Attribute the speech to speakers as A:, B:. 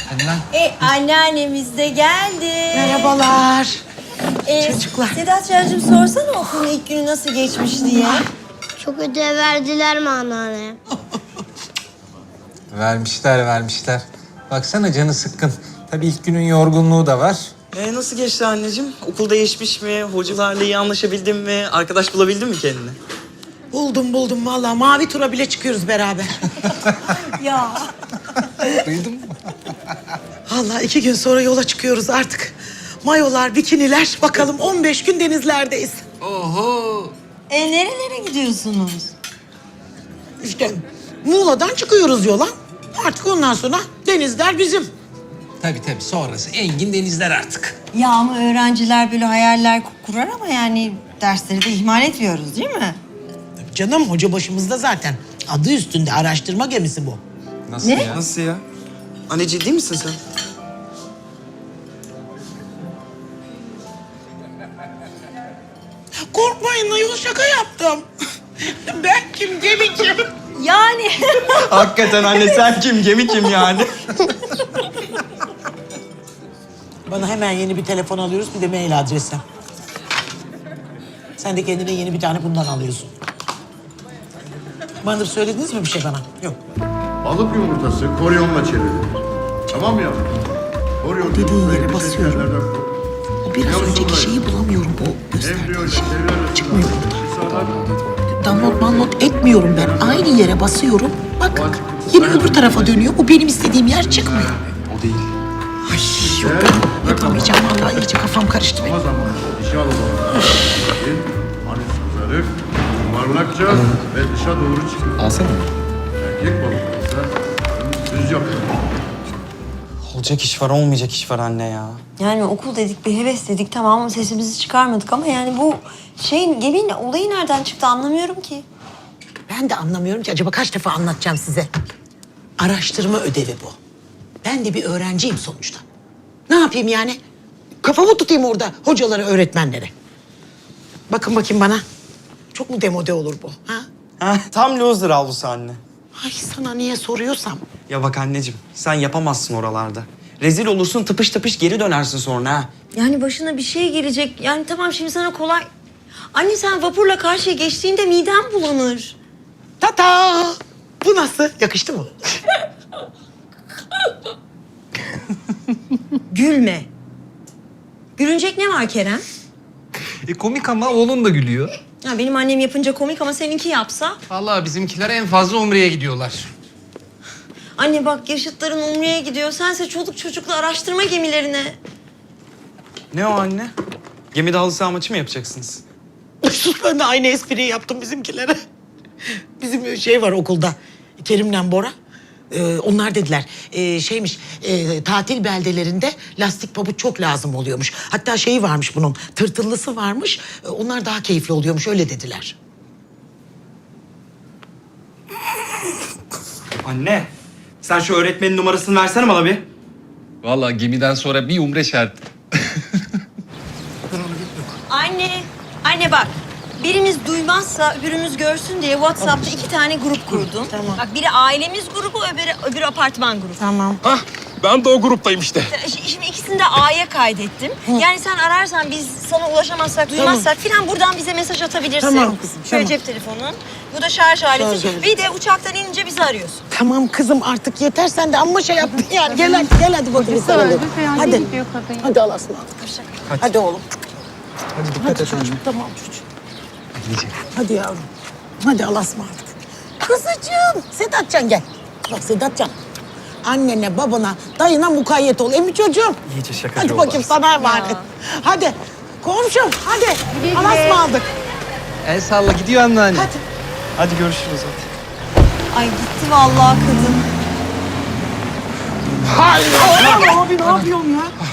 A: Hadi lan.
B: Anneannemiz de geldi.
C: Merhabalar. Çocuklar.
B: Sedatcığım sorsana okulun ilk günü nasıl geçmiş diye.
D: Çok ödev verdiler mi anneanne?
A: Vermişler. Baksana canı sıkkın. Tabii ilk günün yorgunluğu da var.
E: Nasıl geçti anneciğim? Okul değişmiş mi? Hocalarla iyi anlaşabildin mi? Arkadaş bulabildin mi kendine?
C: Buldum vallahi. Mavi tura bile çıkıyoruz beraber.
B: Ya.
A: Duydun mu?
C: Vallahi 2 gün sonra yola çıkıyoruz artık. Mayolar, bikiniler. Bakalım 15 gün denizlerdeyiz.
A: Oho.
B: Nerelere gidiyorsunuz?
C: İşte Muğla'dan çıkıyoruz yola. Artık ondan sonra denizler bizim.
A: Tabii sonrası engin denizler artık.
B: Ya ama öğrenciler böyle hayaller kurar ama yani dersleri de ihmal etmiyoruz değil mi?
C: Canım hoca başımızda zaten. Adı üstünde araştırma gemisi bu.
A: Nasıl
B: Ne?
A: ya?
E: Nasıl ya? Anne ciddi misin sen?
C: Korkmayın ayol şaka yaptım. Ben kim gemi kim?
B: Yani.
E: Hakikaten anne sen kim? Gemi kim yani?
C: Bana hemen yeni bir telefon alıyoruz bir de mail adresi. Sen de kendine yeni bir tane bundan alıyorsun. Bana söylediniz mi bir şey bana? Yok.
F: Balık yumurtası koryonla çevrilir. Tamam mı yavrum? Koryon
C: Dediğin
F: yumurtayı
C: yere
F: bir
C: basıyorum.
F: şekerlerden koy.
C: O biraz
F: Yavrusu
C: önceki
F: var.
C: şeyi bulamıyorum bu
F: Embriyo
C: gösterdiği
F: ile
C: şey.
F: çevreler
C: Çıkmıyor
F: burada.
C: Download etmiyorum ben. Aynı yere basıyorum. Bak yine öbür tarafa dönüyor. Bu benim istediğim yer çıkmıyor.
A: O değil.
C: Ay yok ben yapamayacağım vallahi iyice kafam karıştı benim.
F: Ama zamanı dişi alıp hani süzerek yuvarlakça ve dışa doğru çıkıyor.
A: Alsana.
F: Erkek balık ise düz yapıyor.
E: Olacak iş var, olmayacak iş var anne ya.
B: Yani okul dedik, bir heves dedik tamam ama sesimizi çıkarmadık ama yani bu geminin olayı nereden çıktı anlamıyorum ki.
C: Ben de anlamıyorum ki acaba kaç defa anlatacağım size. Araştırma ödevi bu. Ben de bir öğrenciyim sonuçta. Ne yapayım yani? Kafamı tutayım orada hocalara, öğretmenlere. Bakın bakayım bana. Çok mu demode olur bu? Ha?
E: Tam loser avlusu anne.
C: Ay sana niye soruyorsam.
E: Ya bak anneciğim, sen yapamazsın oralarda. Rezil olursun, tıpış tıpış geri dönersin sonra ha.
B: Yani başına bir şey gelecek. Yani tamam şimdi sana kolay. Anne sen vapurla karşıya geçtiğinde midem bulanır.
C: Tata! Bu nasıl? Yakıştı mı?
B: Gülme. Gülünecek ne var Kerem?
A: Komik ama oğlun da gülüyor.
B: Ya benim annem yapınca komik ama seninki yapsa.
A: Vallahi bizimkiler en fazla Umre'ye gidiyorlar.
B: Anne bak yaşıtların Umre'ye gidiyor. Sense çoluk çocukla araştırma gemilerine.
E: Ne o anne? Gemide halı saha maçı mı yapacaksınız?
C: Sus ben de aynı espriyi yaptım bizimkilere. Bizim şey var okulda. Kerim'le Bora. Onlar dediler tatil beldelerinde lastik pabuç çok lazım oluyormuş. Hatta şeyi varmış bunun tırtıllısı varmış. Onlar daha keyifli oluyormuş öyle dediler.
E: Anne, sen şu öğretmenin numarasını versene bana bir.
A: Vallahi gemiden sonra bir Umre şart.
B: Anne bak. Birimiz duymazsa öbürümüz görsün diye WhatsApp'ta 2 tane grup kurdum.
C: Tamam.
B: Bak biri ailemiz grubu, öbürü apartman grubu.
C: Tamam.
A: Ben de o gruptayım işte.
B: Şimdi ikisini de A'ya kaydettim. Yani sen ararsan biz sana ulaşamazsak, duymazsak filan buradan bize mesaj atabilirsin.
C: Tamam kızım,
B: Şöyle
C: tamam.
B: cep telefonun. Bu da şarj aleti.
C: Şarj aleti.
B: Bir de uçaktan inince bizi arıyorsun.
C: Tamam kızım artık yeter sen de amma şey yaptın yani. Gel hadi bakalım sarılalım. Hadi. Hadi Allah'a ısmarladık. Hadi oğlum.
A: Hadi dikkat et
C: Çocuğum, tamam çocuğum. Hadi yavrum. Hadi Allah'a ısmarladık. Kızıcığım. Sedatcan gel. Bak Sedatcan. Annene, babana, dayına mukayyet ol. Emmi çocuğum.
E: İyice şakacı
C: Hadi
E: oldu.
C: bakayım sana emanet. Hadi. Komşum hadi. Allah'a ısmarladık.
A: El salla gidiyor anneanne.
C: Hadi.
E: Hadi görüşürüz hadi.
B: Ay gitti vallahi kadın.
C: Abi ne yapıyorsun ya?